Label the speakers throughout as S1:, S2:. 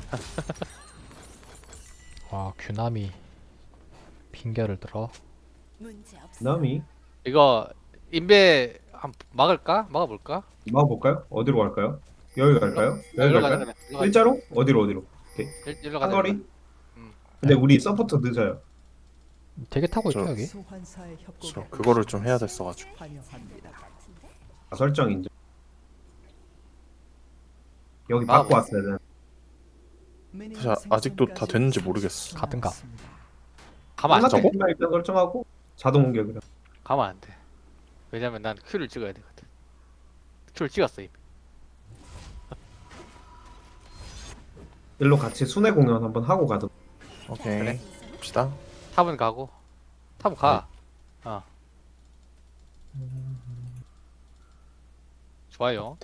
S1: 와 규남이 핑계를 들어.
S2: 남이
S3: 이거 인베 막을까? 막아볼까?
S2: 막아볼까요? 어디로 갈까요? 여기 갈까요? 여기
S3: 일로 가자
S2: 갈까요?
S3: 그래. 일로 가자.
S2: 일자로? 어디로? 오케이.
S3: 일로 가자. 일로
S2: 한거리?
S3: 가자.
S2: 근데
S1: 네?
S2: 우리 서포트 늦어요.
S1: 되게 타고 있죠
S4: 저-
S1: 여기.
S4: 저 그거를 좀 해야 됐어가지고.
S2: 설정 인정. 여기
S3: 아,
S2: 받고 왔어야 되는.
S4: 사실 아직도 다 됐는지 모르겠어.
S1: 가든가.
S3: 가만 안 돼.
S4: 저거?
S2: 끝나 일단 설정하고 자동 공격이라.
S3: 가만 안 돼. 왜냐면 난 Q를 찍어야 되거든. Q를 찍었어 이미.
S2: 일로 같이 순회 공연 한번 하고 가든.
S4: 오케이.
S3: 그래.
S4: 봅시다.
S3: 탑은 가고. 탑은 가. 어. 좋아요.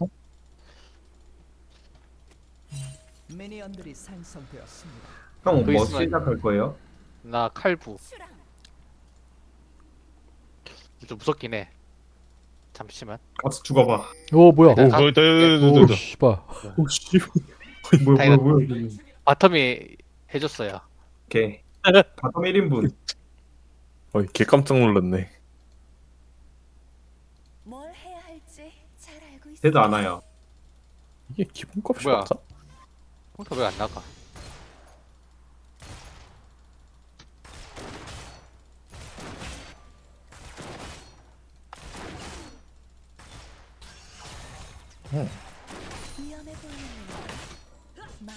S5: 미니언들이 생성되었습니다.
S2: 형
S3: 그
S2: 뭐
S3: 있으면-
S2: 시작할 거예요?
S3: 나 칼부. 좀 무섭긴 해. 잠시만.
S2: 가서 죽어봐.
S1: 오 뭐야?
S3: 일단
S1: 오,
S3: 다-
S1: 오 씨발.
S4: 오씨.
S2: 뭐야.
S3: 바텀이 해줬어요.
S2: 오케이. 바텀 1인분.
S4: 어이 개 깜짝 놀랐네.
S6: 뭘 해야 할지 잘 알고 있어.
S2: 되도 않아요.
S4: 이게 기본값이
S3: 뭐야?
S4: 맞아?
S3: 컴퓨터 왜 안 나가?
S6: 위험해 보이는 말.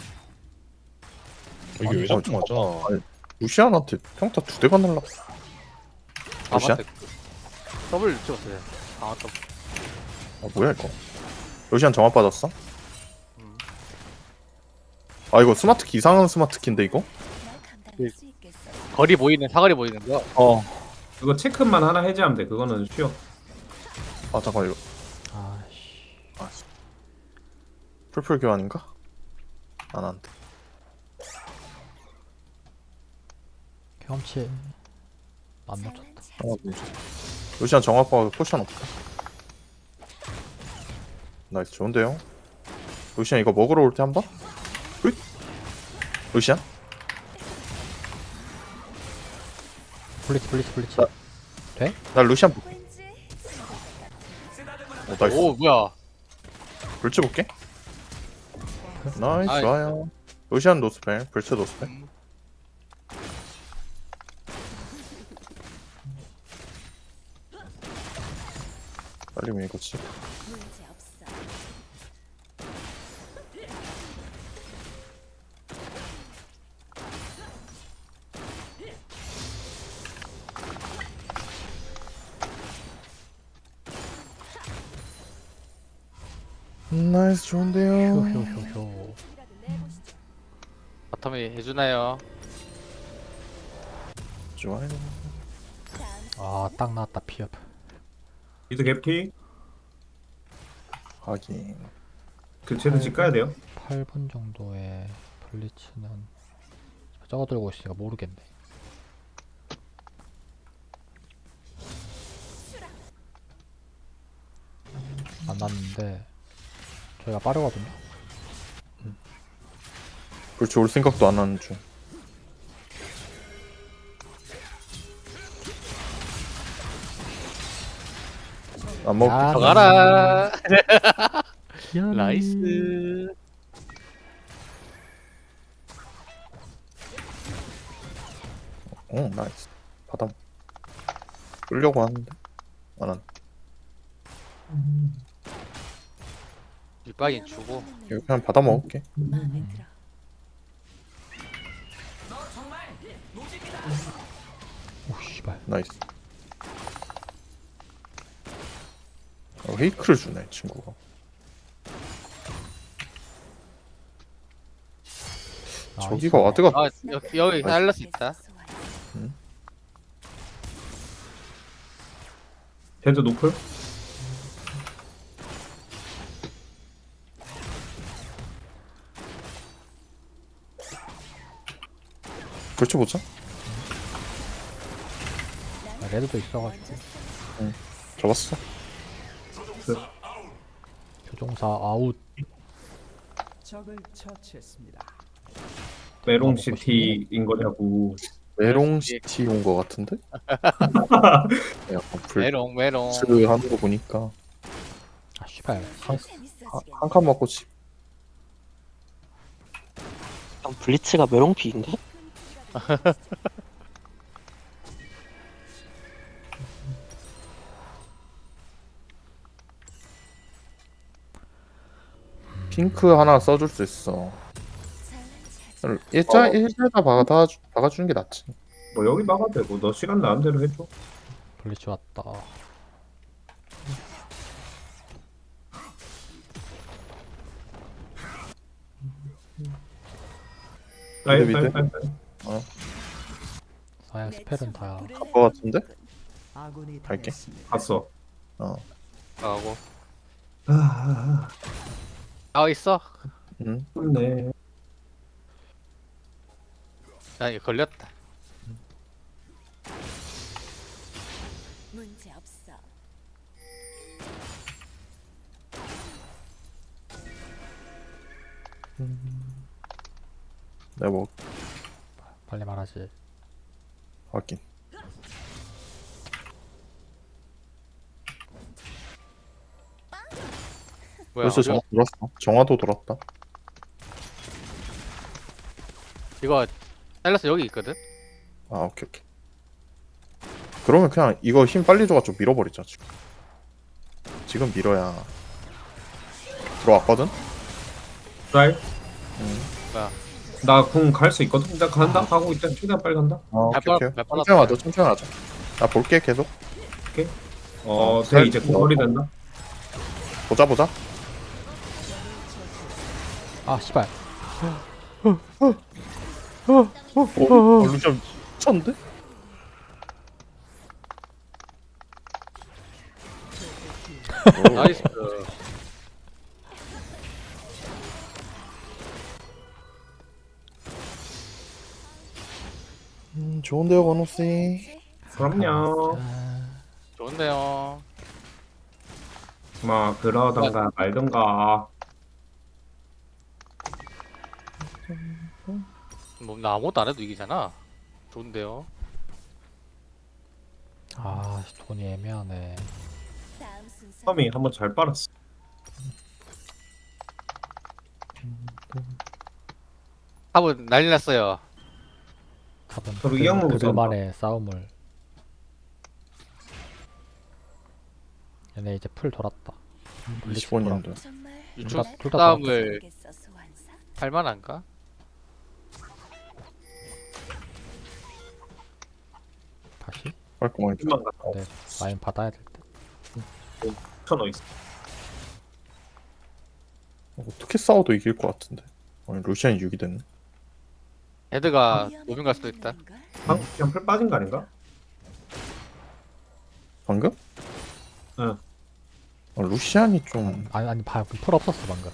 S7: 이게 왜 자꾸 맞아?
S4: 루시안한테 평타 2대가 날라.
S3: 아
S4: 루시안?
S3: 맞다. 더블 찍었어요. 아 더블.
S4: 아 뭐야 이거? 루시안 정화 빠졌어?
S3: 음.
S4: 아 이거 스마트키 이상한 스마트키인데 이거?
S6: 날 감당할 수 있겠어.
S3: 거리 보이는 사거리 보이는 거.
S4: 어.
S2: 그거 체크만 하나 해제하면 돼. 그거는 쉬워.
S4: 아 잠깐 이거
S1: 아씨.
S4: 풀풀 교환인가? 안 한대.
S1: 경험치 안 놓쳤다.
S4: 루시안 정화 빠져 포션 없다. 나이스 좋은데요? 루시안 이거 먹으러 올 때 한 번? 훗! 루시안?
S1: 블리츠.
S4: 나 루시안
S6: 왠지
S4: 나이스.
S3: 오 뭐야?
S4: 불치 볼게. 나이스
S3: 아이.
S4: 좋아요. 루시안 노스펠, 불치 노스펠. 빨리 밀고치.
S6: 문제 없어.
S4: 나이스 좋은데요.
S1: 효효효효.
S3: 바텀이 해주나요?
S4: 좋아요.
S1: 아딱 나왔다 피업.
S2: 미드 갭키.
S4: 하긴.
S2: 그 쟤도 집 가야 돼요.
S1: 8분 정도에 블리츠는 저거 들고 있으니까 모르겠네. 안 났는데 저희가 빠르거든요.
S4: 불치 올 생각도 안 하는 중. 안 먹.
S1: 야,
S3: 들어가라.
S1: 미안해.
S3: 나이스.
S4: 나이스. 바닥. 끌려고 하는데 안 한.
S3: 윗박인 주고.
S4: 이거 그냥 받아 먹을게.
S6: 마음에 들어.
S1: 오 씨발.
S4: 나이스. 헤이크를 주네 친구가. 저기가 와드가
S3: 아 여기 살릴 수 있다.
S2: 쟤도 노플.
S4: 불치 보자.
S1: 레드도 있어가지고
S4: 잡았어.
S1: 조종사 아웃.
S5: 적을 처치했습니다.
S2: 메롱시티인 거냐고.
S4: 메롱시티 온 거 같은데? 약간
S3: 메롱 메롱.
S4: 불스 하는 거 보니까
S1: 아 씨발.
S6: 재밌어지겠네.
S4: 한 칸 맞고 집.
S7: 그냥 블리츠가 메롱피인가?
S4: 핑크 하나 써줄 수 있어. 일자에다 박아주는 게 낫지.
S2: 뭐 여기 막아도 되고 너 시간 나는 대로 해줘.
S1: 블리츠 왔다.
S2: 빨리
S4: 미드,
S2: 빨리
S4: 미드.
S2: 빨리.
S1: 사양 스펠은 다
S4: 갈 거 같은데?
S5: 아군이
S4: 갈게.
S5: 당했습니다.
S2: 갔어.
S3: 하고.
S2: 아,
S3: 아 있어.
S4: 응.
S2: 네.
S3: 나 이거 걸렸다.
S6: 문제 없어.
S4: 내가 뭐
S1: 빨리 말하지.
S4: 확인.
S3: 뭐야?
S4: 벌써 정화 돌았어. 정화도 돌았다.
S3: 이거 사일러스 여기 있거든.
S4: 아 오케이 오케이. 그러면 그냥 이거 힘 빨리 줘가지고 밀어버리자 지금. 지금 밀어야 들어왔거든.
S2: 쌀.
S3: 뭐야?
S2: 나 궁 갈 수 있거든. 나 간다. 가고 있다. 최대한 빨리 간다.
S4: 아 오케이 오케이.
S3: 몇
S4: 천천히 하자. 천천히 하자. 나 볼게 계속.
S2: 돼 이제 궁거리 된다.
S4: 보자 보자.
S1: 아 씨발.
S4: 루시안 미쳤는데?
S3: 나이스.
S4: 좋은데요 건우씨.
S2: 그럼요.
S3: 좋은데요.
S2: 뭐 그러던가 말던가.
S3: 뭐 나 아무것도 안 해도 이기잖아. 좋은데요.
S1: 아 돈이 애매하네.
S6: 다음 순서.
S2: 텀이 한번 잘 빨았어.
S3: 합은 난리 났어요.
S1: 탑은
S2: 서로 이양으로
S1: 그들만의 싸움을. 얘네 이제 풀 돌았다.
S4: 25년도.
S6: 정말
S3: 유충
S1: 둘다
S3: 싸움을
S6: 모르겠어, 소환사.
S3: 할 만한가?
S1: 다시?
S4: 깔끔하게.
S2: 힘만 갔다.
S1: 네 라인 받아야 될 듯.
S2: 천어 있어.
S4: 어떻게 싸워도 이길 것 같은데. 아니 루시안이 6이 됐네.
S3: 헤드가 노빙 갈 수도 있다.
S2: 그냥 풀 빠진 거 아닌가?
S4: 방금?
S2: 응.
S4: 루시안이 좀.
S1: 아니 방금 풀 없었어 방금.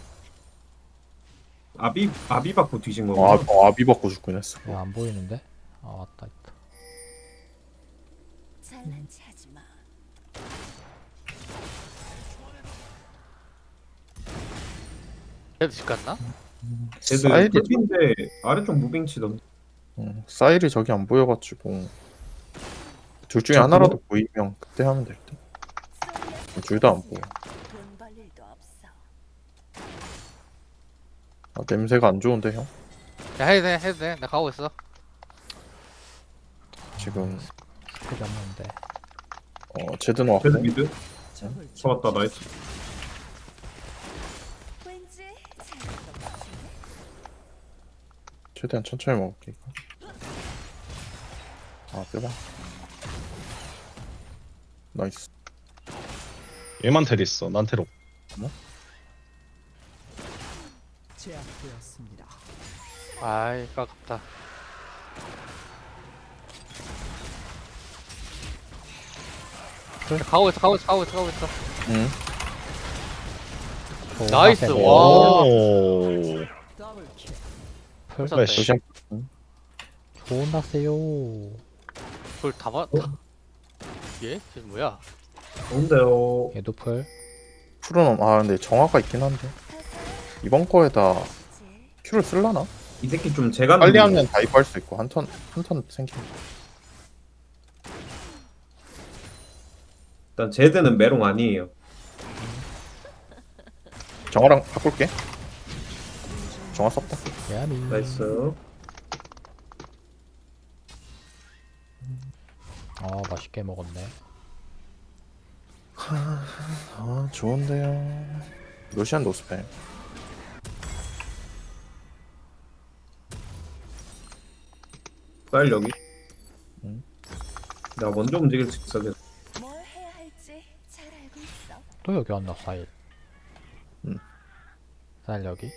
S2: 아비 받고 뒤진 거구나.
S4: 아비 받고 죽긴 했어.
S1: 야, 안 보이는데? 아 왔다 있다.
S6: 잘난 체 하지 마.
S3: 헤드 집 갔나?
S2: 쟤들
S4: 사이드
S2: 풀인데 아래쪽 무빙 치던데.
S4: 사일이 저기 안 보여가지고 둘 중에
S2: 저
S4: 하나라도 보이면 그때 하면 될 듯. 둘 다 안 보여.
S6: 돈 벌 일도 없어.
S4: 아, 냄새가 안 좋은데 형.
S3: 야 해도 돼 해도 돼. 나 가고 있어.
S4: 지금
S1: 스펠이 없는데.
S4: 제드는 왔고.
S2: 쟤들 미드.
S5: 적을
S2: 잡았다 나이스.
S6: 왠지 잘될것 같은데.
S4: 최대한 천천히 먹을게 이거. 아 빼봐. 나이스.
S8: 얘만 텔 있어. 난 텔 없.
S5: 제압되었습니다.
S3: 아이 깝다. 가고 있어.
S4: 응.
S3: 나이스,
S1: 와.
S3: 와.
S8: 오.
S5: 더블킬.
S1: 풀
S3: 쳤다.
S8: 플래시.
S4: 루시안.
S1: 좋은 낙세요.
S3: 그걸 다 맞다. 얘? 쟤 뭐야?
S2: 좋은데요.
S1: 얘도 풀.
S4: 풀은 근데 정화가 있긴 한데 이번 거에다 큐를 쓸라나?
S2: 이 새끼 좀 제가
S4: 빨리 하면 다이브 할 수 있고 한 턴 생기면.
S2: 일단 제드는 메롱 아니에요.
S4: 정화랑 바꿀게. 정화 썼다.
S1: 야미.
S2: 나이스.
S1: 맛있게 먹었네.
S4: 아 좋은데요. 루시안 노스펠.
S2: 쌀 여기.
S4: 응.
S2: 내가 먼저 움직일 수 있어.
S6: 뭘 해야 할지 잘 알고 있어.
S1: 또 여기 왔나, 사일. 사일 여기.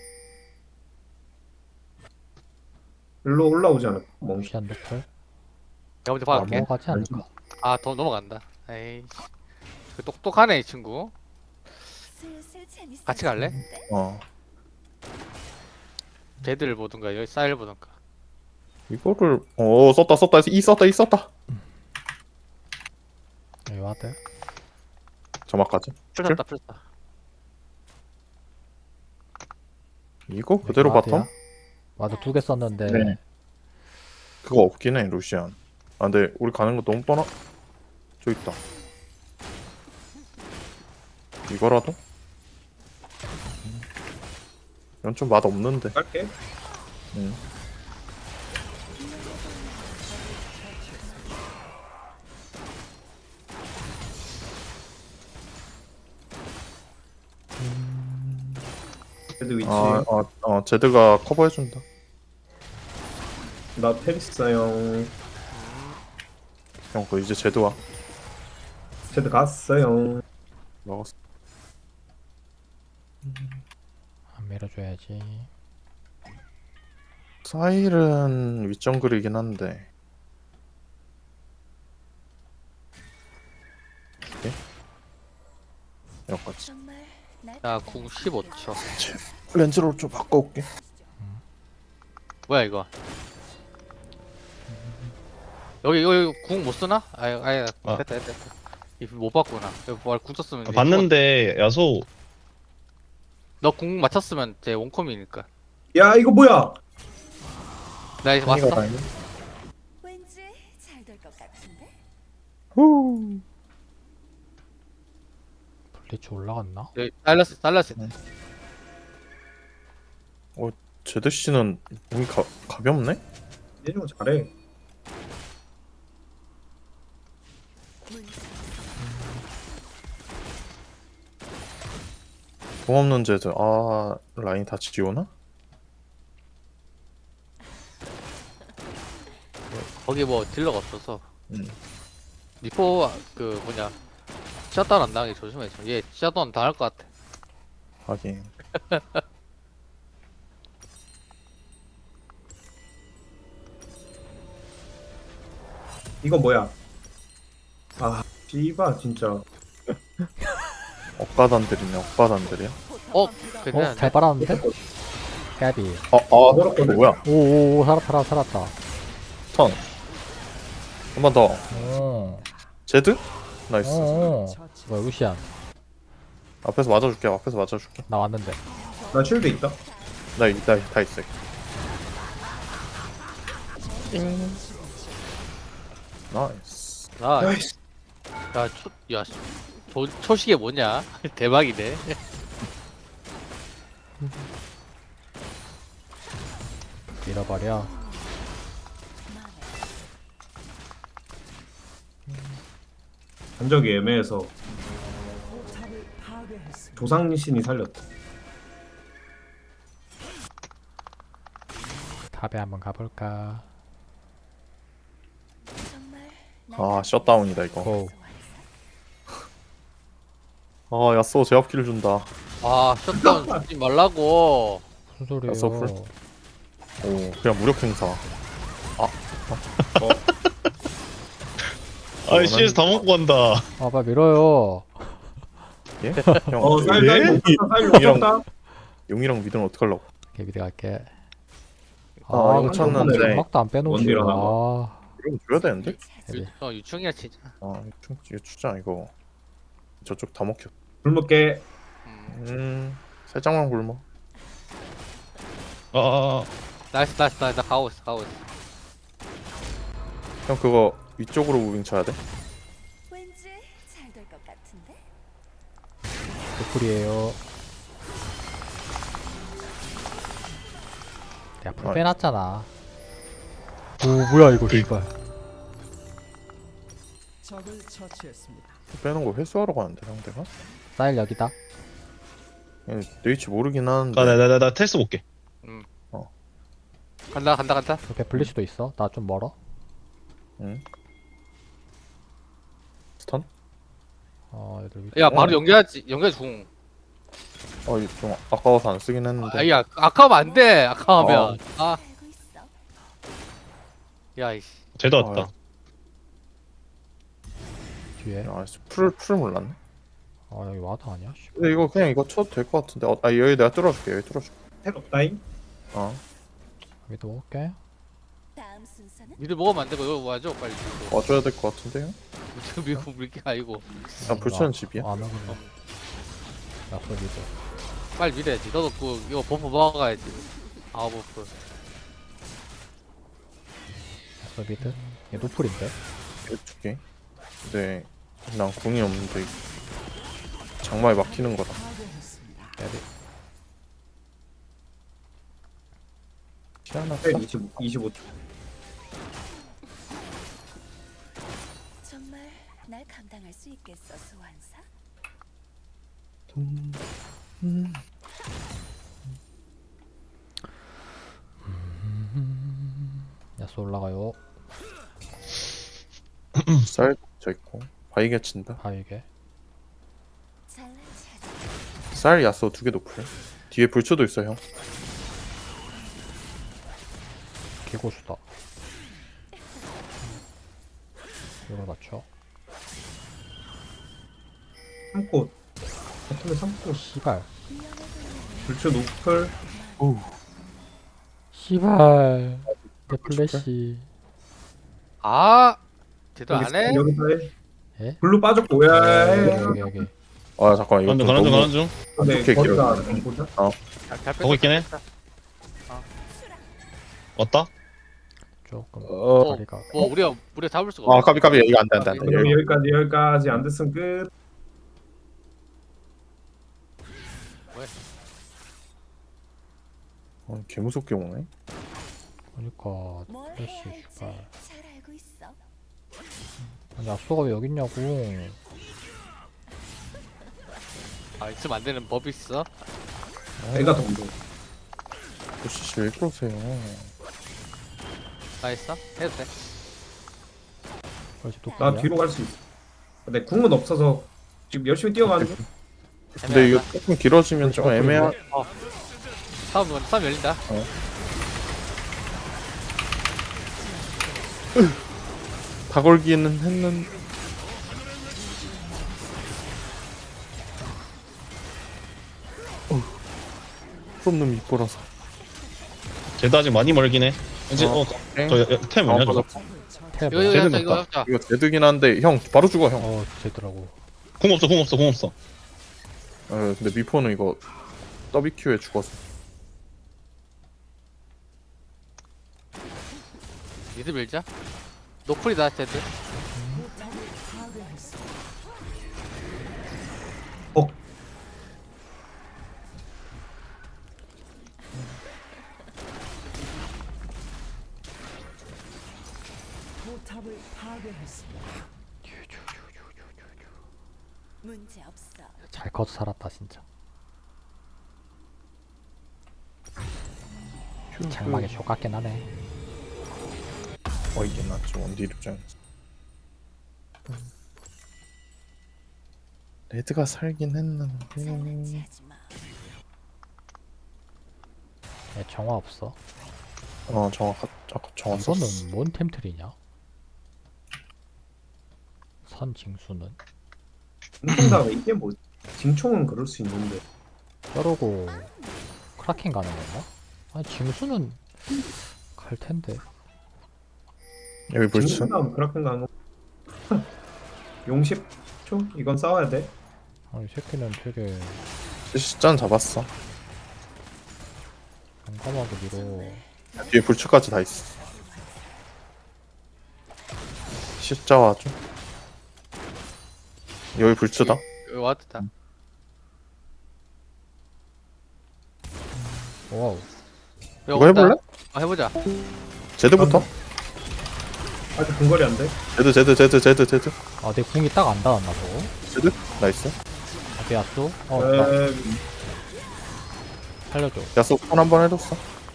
S2: 일로 올라오지 않을까? 멍청.
S1: 루시안 노플.
S3: 내가 먼저 박을게.
S1: 넘어가지 않을까?
S3: 아, 더 넘어간다. 에이. 그 똑똑하네, 이 친구.
S6: 슬슬 재밌어.
S3: 같이 갈래?
S4: 어
S3: 제드를 보든가, 여기 사일 보든가.
S4: 이거를 썼다 이 썼다.
S1: 여기 와드.
S4: 점화까지.
S3: 풀렸다, 풀렸다.
S4: 이거 그대로 바텀?
S1: 와드 2개 썼는데.
S4: 네. 그거 없긴 해 루시안. 아 근데 우리 가는 거 너무 뻔하. 저 있다. 이거라도? 이건 좀 맛 없는데.
S2: 갈게.
S4: 응.
S2: 제드 위치.
S4: 제드가 커버해준다.
S2: 나 테리스형.
S4: 형, 그 이제 제드 와.
S2: 제드 갔어요.
S4: 먹었어.
S1: 안 밀어줘야지.
S4: 사일은 윗정글이긴 한데. 줄게. 여기까지.
S6: 정말 날
S3: 나 궁 15초.
S4: 렌즈로 좀 바꿔올게.
S3: 뭐야, 이거? 여기 궁 못 쓰나? 아예
S8: 아.
S3: 됐다. 이거 못 봤구나. 이거 궁 썼으면.
S8: 아, 봤는데 야소
S3: 너 궁 맞췄으면 제 원컴이니까.
S2: 야 이거 뭐야?
S3: 나 이제 왔어.
S6: 왠지 잘 될 것 같은데.
S4: 후.
S1: 블리츠 올라갔나?
S3: 여기 달라스.
S4: 제드 씨는 몸이 가볍네?
S2: 얘는 잘해.
S4: 공 없는 제드. 아 라인 다 지우나?
S3: 거기 뭐 딜러가 없어서.
S4: 응.
S3: 리포 그 뭐냐 샷다운 안 당하게 조심해서. 얘 샷다운 당할 것 같아.
S4: 하긴.
S2: 이거 뭐야? 아 씨바 진짜.
S4: 억가단들이네 억가단들이야.
S3: 괜찮은데?
S1: 잘 빨았는데? 까비.
S2: 멀었거든.
S4: 뭐야?
S1: 오오오, 살았다.
S4: 턴. 한 번 더.
S1: 오.
S4: 제드? 나이스.
S5: 처치.
S1: 뭐야, 루시안.
S4: 앞에서 맞아줄게.
S1: 나 왔는데.
S2: 나 쉴드 있다.
S4: 다 있어. 나이스.
S2: 나이스.
S3: 초식에 뭐냐? 대박이네.
S1: 밀어버려.
S2: 간적이 애매해서
S5: 포탑을 파괴했습니다.
S2: 조상신이 살렸다.
S1: 탑에 한번 가볼까?
S6: 정말
S4: 아 셧다운이다 이거.
S1: 고.
S4: 아 야쏘 제압키를 준다.
S3: 아 셧다운 주지 말라고.
S1: 무슨 소리예요?
S4: 서플? 오 그냥 무력 행사.
S8: 아이 CS 다 먹고 간다.
S1: 빨리 밀어요.
S4: 예? 형
S2: 쌀
S4: 용이랑
S2: 다
S4: 용이랑 미드는 어떡하려고?
S1: 오케이, 미드 갈게.
S4: 이거
S1: 근데
S4: 쳤는데
S1: 음악도 안 빼놓지.
S2: 원딜 하나
S4: 이건 줘야 되는데?
S1: 그래.
S3: 유충이야 진짜.
S4: 이거 주자 이거. 저쪽 다 먹혀.
S2: 굶을게.
S3: 음.
S4: 살짝만 굶어.
S8: 아,
S3: 나이스 나 가고 있어.
S4: 형 그거 위쪽으로 무빙 쳐야 돼.
S6: 왠지 잘 될 것 같은데.
S1: 노플이에요. 내가 풀 빼놨잖아. 오 뭐야 이거 씨발.
S5: 적을 처치했습니다.
S4: 빼는 거 회수하러 가는데 상대가.
S1: 사일 여기다.
S4: 얘 네이치 모르긴 하는데.
S8: 나 테스트 볼게.
S3: 간다.
S1: 옆에 블리츠도 있어. 나 좀 멀어.
S4: 응. 스턴?
S1: 애들 위.
S3: 야 바로 연결 중.
S4: 이거 좀 아까워서 안 쓰긴 했는데.
S3: 아야 아까우면 안 돼. 아까우면. 아,
S6: 알고 있어.
S3: 야 이씨.
S8: 쟤도 왔다.
S1: 뒤에.
S4: 풀 몰랐네.
S1: 여기 와드 아니야? 씨.
S4: 근데 이거 그냥 이거 쳐도 될 것 같은데. 여기 내가 뚫어줄게. 여기 뚫어줄게.
S2: 텔 없다잉.
S1: 여기도 먹을게.
S6: 다음 순서는
S3: 미드 먹으면 안 되고 이거 와줘 빨리.
S4: 와줘야 될 것 같은데요?
S3: 지금 밀고 물게 아니고.
S4: 야 불치는 집이야.
S1: 안 하겠네. 약속 미드.
S3: 빨리 밀어야지. 너도 이거 버프 먹어가야지. 버프.
S1: 약속 미드. 얘 노플인데.
S4: 두 개. 근데 난 궁이 없는데 장마에 막히는 거다.
S5: 파괴했습니다.
S1: 애들.
S4: 희한하다.
S2: 텔 25초.
S6: 정말 날 감당할 수 있겠어, 소환사?
S1: 야수 올라가요.
S4: 쌀 저 있고 바이게 친다.
S1: 바위게.
S6: 잘난 체하지.
S4: 쌀 야스 두 개 높을. 뒤에 불초도 있어 형.
S1: 개고수다. 이걸 맞춰.
S2: 3꽃. 버튼에 3꽃.
S1: 씨발.
S2: 불초 노플.
S1: 씨발. 내 플래시.
S3: 제대로 안 해?
S2: 여기서 해.
S1: 예?
S2: 블루 빠졌고 야.
S1: 여기.
S4: 아 잠깐 이거
S8: 가는 중.
S2: 근데
S4: 어떻게
S2: 거기가
S4: 길어?
S2: 좀 보자.
S3: 잘
S8: 보고 있긴 해. 왔다?
S1: 조금.
S3: 어.
S1: 다리가.
S3: 우리가 잡을 수가 없어.
S4: 까비 이거 안돼.
S2: 그럼 여기까지 안 됐으면 끝.
S4: 개 무섭게 오네.
S1: 그러니까
S6: 뭘
S1: 플래시
S6: 해야 할지
S1: 씨발.
S6: 잘 알고 있어.
S1: 아니 야수가 왜 여기 있냐고.
S3: 있으면 안 되는 법이 있어?
S2: 내가 더 무서워.
S4: 씨 왜 그러세요?
S3: 나 있어? 해도 돼.
S1: 그렇지 또.
S2: 나 뒤로 갈 수 있어. 근데 궁은 없어서 지금 열심히 뛰어가는 중.
S4: 근데 이거 조금 길어지면 좀 애매한.
S3: 싸움 열린다.
S4: 다 걸기는 했는. 풀없는 밑보라서.
S8: 쟤도 아직 많이 멀긴 해. 이제
S4: 땡.
S8: 템 뭐냐 저거?
S1: 탭.
S3: 이거
S8: 쟤는
S3: 잡자.
S8: 없다.
S4: 이거 제득긴 한데 형 바로 죽어 형.
S1: 되더라고.
S8: 궁 없어.
S4: 근데 미포는 이거 WQ에 죽어서.
S3: 미드 밀자. 노플이다 쟤들.
S5: 포탑을 파괴했습니다. 포탑을 파괴했습니다.
S6: 문제 없어.
S1: 잘 커서 살았다 진짜. 장막에 쇼 같긴 하네.
S4: 이게 낫지 원딜 입장. 레드가 살긴
S6: 잘난
S4: 했는데.
S6: 체하지 마.
S1: 얘 정화 없어.
S4: 정확 썼어.
S1: 이거는 뭔 템트리냐? 선징수는
S2: 징총다가 이게 뭐 징총은 그럴 수 있는데
S1: 뼈로고 크라켄 가는 건가? 아니 징수는 갈 텐데.
S4: 여기 불치.
S2: 징총다음 그렇게 가는 거. 용 10초? 이건 싸워야 돼.
S1: 아니 이 새끼는 되게
S4: 짠 잡았어.
S1: 깜깜하게 밀어.
S4: 뒤에 불츠까지 다 있어. 십자 와줘. 여기 불츠다.
S3: 여기 왔다.
S1: 와우.
S3: 여기
S4: 이거 해볼래?
S3: 온다. 해보자.
S4: 제드부터.
S2: 아직 근거리 안 돼.
S4: 제드.
S1: 아, 내 궁이 딱 안 닿았나 보고.
S4: 제드. 나이스.
S1: 앞에 야쏘. 나 살려줘.
S4: 야쏘 턴 한 번 해줬어.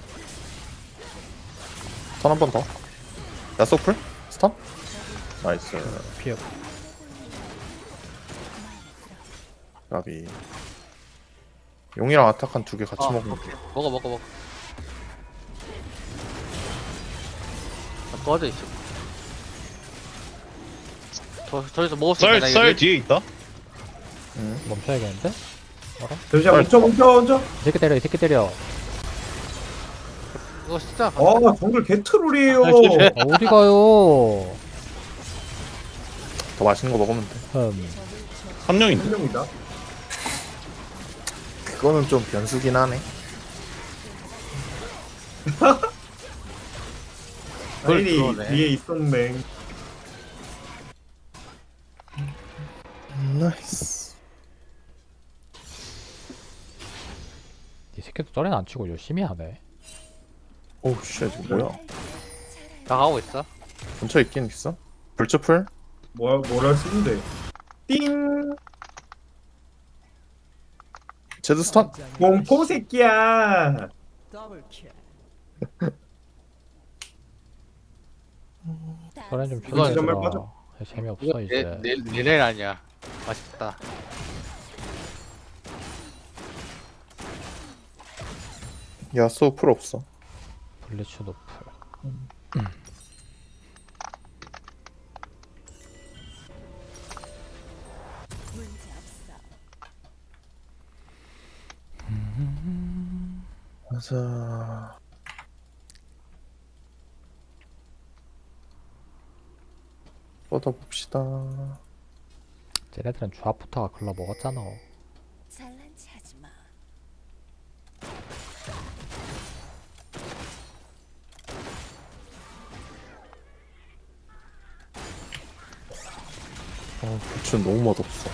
S4: 턴 한 번 더. 야쏘 풀? 스턴? 나이스.
S1: 피해.
S4: 까비. 용이랑 아타칸 두 개 같이
S3: 아,
S4: 먹으면 돼.
S3: 먹어. 꺼져 있어. 저기서 먹었으니까 나
S8: 썰
S3: 이거
S8: 뒤에 있다.
S1: 멈춰야겠는데?
S2: 잠시만 멈춰.
S1: 이 새끼 때려, 이 새끼 때려.
S3: 이거 진짜
S2: 정글 개트롤이에요.
S1: 아, 어디 가요?
S4: 더 맛있는 거 먹으면 돼.
S8: 한 명인데.
S2: 한명이다.
S4: 그거는 좀 변수긴 하네.
S2: 아니
S3: 그러네.
S2: 뒤에 있었네.
S4: 나이스.
S1: 이 새끼도 썰에는 안 치고 열심히 하네.
S4: 오우 쉣 이거 뭐야?
S3: 다 가고 있어.
S4: 근처에 있긴 있어? 불츠 풀?
S2: 뭘 할 수 있는데. 띵.
S4: 제드 스턴?
S2: 공포 새끼야.
S5: 더블 킬.
S1: 썰엔 좀
S3: 그거
S2: 정말
S1: 쳐주라.
S2: 빠져.
S1: 재미없어 이제.
S3: 내일 아니야. 맛있다.
S4: 야쏘 풀 없어.
S1: 블리츠 노플.
S6: 문제 없어.
S4: 가자. 뻗어봅시다.
S1: 쟤네들은 조합부터가 글러 먹었잖아.
S6: 잘난 체 하지 마.
S4: 불츠 너무 맛없어.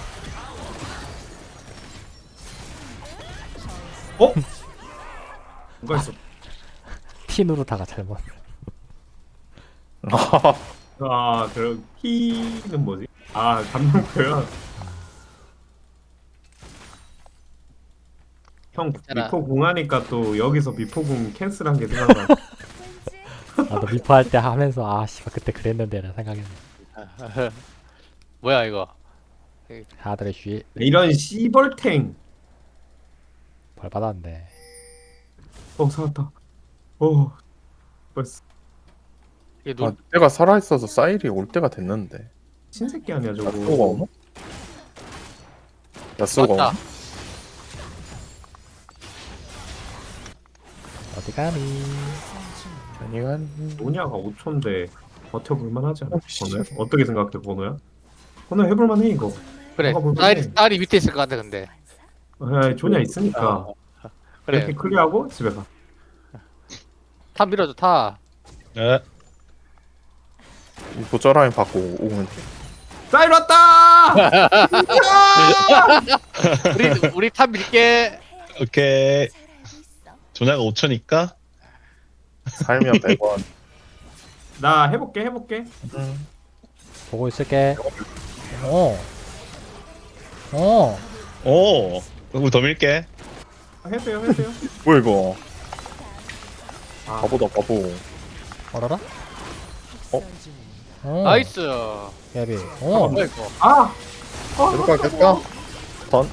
S2: 누가 있어?
S1: 틴으로 다가 잘못.
S2: 그럼 키는 뭐지? 감명표야. 형
S3: 괜찮아.
S2: 미포궁 하니까 또 여기서 미포궁 캔슬한 게 생각나.
S6: 왠지
S1: 나도 미포 할 때 하면서 아 씨발 그때 그랬는데 라는 생각했네.
S3: 뭐야 이거?
S1: 아들의 쉬
S2: 이런 씨벌탱.
S1: 벌 받았네.
S2: 살았다. 벌써
S3: 이게
S4: 아, 때가 살아있어서 사일이 올 때가 됐는데.
S2: 신새끼 아니야 저거.
S4: 야쏘가 오나? 야쏘가
S3: 맞다.
S4: 오나?
S1: 어디 가니?
S4: 아니가
S2: 노냐가 5초인데 버텨볼만 하지 않아?
S4: 씨.
S2: 번호야? 어떻게 생각해 번호야? 번호 해볼만 해 이거.
S3: 그래.
S2: 뭐가 불편해.
S3: 딸이 밑에 있을 것 같아 근데.
S2: 조냐 있으니까
S3: 그래.
S2: 이렇게 클리어하고 집에 가.
S3: 탑 밀어줘 탑.
S8: 네.
S4: 이 보자라인 받고 오면 돼.
S2: 사일 왔다!
S3: 우리 탑 밀게.
S8: 오케이.
S6: 잘 알고 있어.
S8: 조냐가 5초니까.
S4: 살면 100원.
S2: 나 해볼게.
S1: 보고 있을게. 어.
S8: 오. 우리 더 밀게.
S2: 해도 돼요.
S4: 뭐야 이거?
S2: 아,
S4: 바보다 바보.
S1: 어라라?
S3: 나이스.
S1: 야비.
S3: 뭐야 이거?
S4: 계속 가. 던.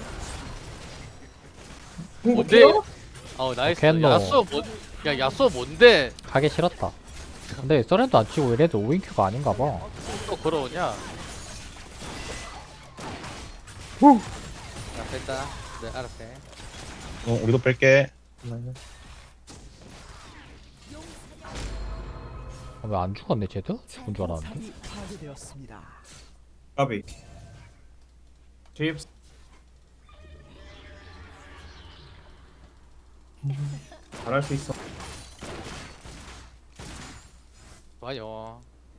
S3: 뭔데? 나이스.
S1: 캔노.
S3: 야쏘 뭔데?
S1: 가기 싫었다. 근데 썰엔도 안 치고 얘네들 5인큐가 아닌가 봐.
S3: 또 걸어오냐? 야 됐다. 네 알았어.
S8: 우리도 뺄게.
S1: 왜 안 죽었네 쟤도? 죽은 줄 알았는데.
S5: 탑이 파괴되었습니다.
S2: 까비. 집 잘할 수 있어.
S3: 좋아요.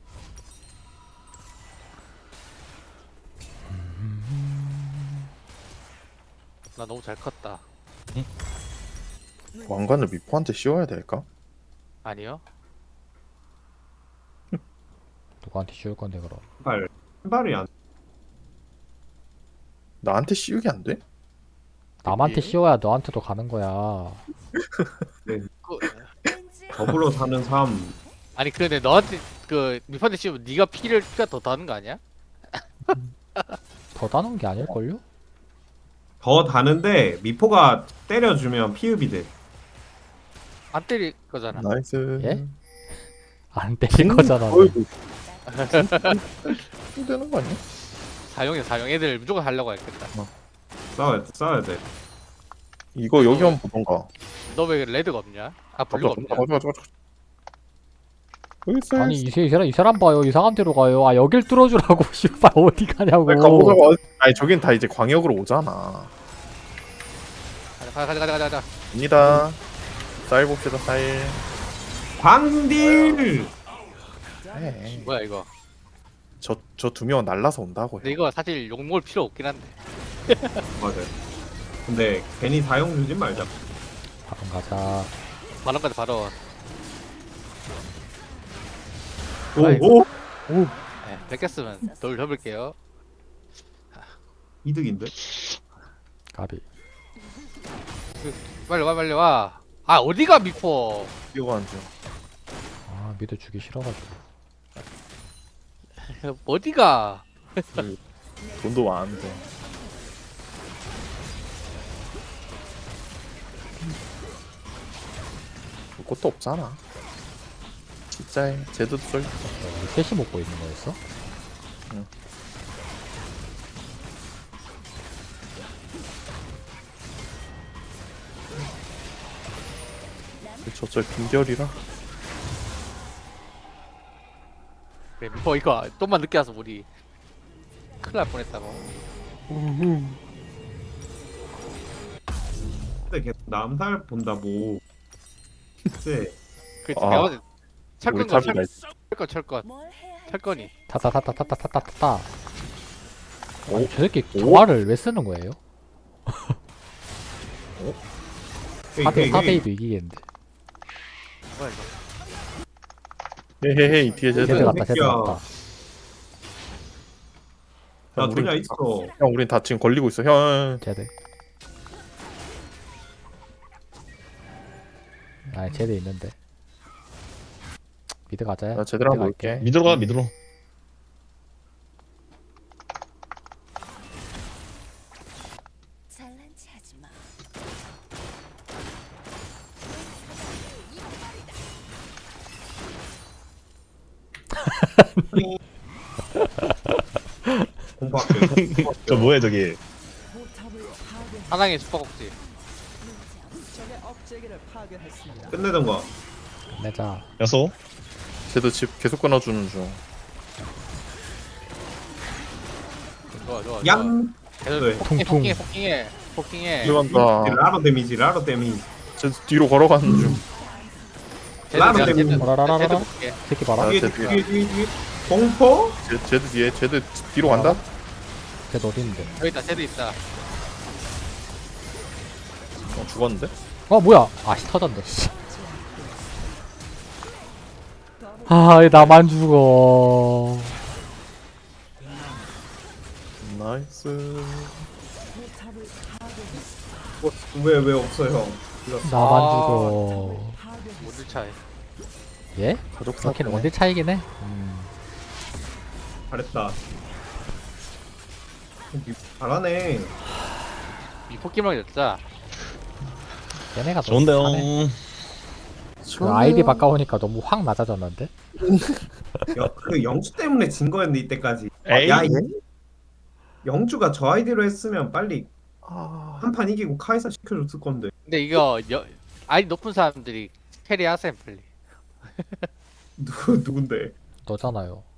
S3: 나 너무 잘 컸다.
S4: 왕관을 미포한테 씌워야 될까?
S3: 아니요?
S1: 누구한테 씌울 건데 그럼?
S2: 신발이 안.
S4: 나한테 씌우기 안 돼?
S1: 남한테 씌워야 너한테도 가는 거야.
S3: 그,
S6: 왠지
S2: 더불어 사는 삶.
S3: 아니 근데 너한테 그 미판대 씌우면 네가 피가 더 다는 거 아니야?
S1: 더 다는 게 아닐걸요?
S2: 더 다는데 미포가 때려주면 피흡이 돼.
S3: 안 때릴 거잖아.
S4: 나이스.
S1: 예? 안 때릴 거잖아.
S4: 어이구. 되는 거 아니야?
S3: 사용 애들 무조건 하려고 했겠다.
S2: 싸워야 돼.
S4: 이거 여기 한번 보던가.
S3: 너 왜 레드가 없냐? 아 블루가 없냐?
S4: 가자. 여기 있어.
S1: 아니 이 사람 봐요. 이상한 데로 가요. 아 여길 뚫어주라고. 씨발 어디 가냐고.
S4: 가보자고. 아니 저긴 다 이제 광역으로 오잖아.
S3: 가자.
S4: 입니다. 쌀 봅시다 쌀.
S2: 광딜.
S4: 네.
S3: 뭐야 이거?
S4: 저 두 명은 날라서 온다고요.
S3: 근데 이거 사실 욕 먹을 필요 없긴 한데.
S2: 맞아. 근데 괜히 사용 주지 말자.
S1: 바로 가자.
S3: 만원까지 바로.
S2: 오.
S3: 네, 뺏겼으면 돌 접을게요.
S2: 이득인데.
S1: 가비.
S3: 빨리 와. 아 어디가 미포?
S4: 뛰어가는 중.
S1: 아 미드 주기 싫어가지고.
S3: 어디가?
S4: 돈도 많은데. 볼 것도 없잖아. 진짜에 제드도 쏠.
S1: 우리 셋이 먹고 있는 거였어?
S4: 응. 저쪽 빈결이라.
S3: 그래 미포 이거 좀만 늦게 와서 우리 큰일 날 뻔했다고.
S2: 근데 계속 남살 본다 뭐. 글쎄.
S3: 그
S4: 아,
S3: 내가 봤을 때
S4: 우리
S3: 철권
S4: 탑이다.
S3: 철권
S6: 뭘 해야 할지
S3: 철권이.
S1: 타타타타타타타타.
S4: 오?
S1: 아니, 저 새끼
S4: 오?
S1: 정화를 왜 쓰는 거예요?
S2: 헤이.
S1: 4대2도 이기겠는데.
S3: 뭐야 이거?
S4: 헤헤헤 이 뒤에 제드.
S1: 제드 갔다 제드
S2: 새끼야.
S1: 갔다.
S2: 나
S4: 우린-
S2: 돈이 있어.
S4: 형 우린 다 지금 걸리고 있어. 형.
S1: 제드. 아 제드 있는데. 미드 가자.
S4: 나 제대로 한번
S1: 갈게.
S4: 볼게.
S8: 미드로 가 미드로.
S6: 잘난 체 하지 마.
S2: 공부할게.
S8: 저 뭐해 저기.
S5: 포탑을 파괴.
S3: 하나의 슈퍼곡지.
S5: 적의 업체계를 파괴했습니다.
S2: 끝내던가.
S1: 내자.
S8: 야소.
S4: 제드 집 계속 끊어주는 중.
S3: 좋아.
S2: 양.
S3: 계속
S2: 네.
S3: 폭킹해.
S4: 들어간다.
S2: 라로 데미지.
S4: 제드 뒤로 걸어가는 중.
S2: 라로 때문에.
S1: 라라라라라.
S3: 볼게.
S1: 새끼 봐라.
S4: 아,
S2: 뒤에
S4: 제드야.
S2: 뒤에. 공포?
S4: 제드 뒤에 제드 뒤로 간다.
S1: 제드 어디 있는데?
S3: 여기 있다. 제드 있다.
S4: 죽었는데?
S1: 어 뭐야? 아씨 터졌네. 씨. 아, 왜 나만 죽어.
S4: 나이스.
S5: 포탑을 파괴했습니다.
S2: 왜 없어요?
S1: 나만
S3: 아.
S1: 죽어.
S3: 모두 차이.
S1: 예?
S4: 가족
S1: 그렇긴
S4: 사건.
S1: 원딜 차이긴 해.
S2: 잘했다. 잘하네.
S3: 이 포켓몬이 였자.
S1: 얘네가 너무
S8: 좋은데요.
S1: 잘해. 그 아이디 바꿔오니까 너무 확 낮아졌는데?
S2: 그 영주 때문에 진 거였는데 이때까지.
S8: 에이.
S2: 야, 영주가 저 아이디로 했으면 빨리
S4: 아,
S2: 한 판 이기고 카이사 시켜줬을 건데.
S3: 근데 이거 아이디 높은 사람들이 캐리 하셈 빨리.
S2: 누군데?
S1: 너잖아요.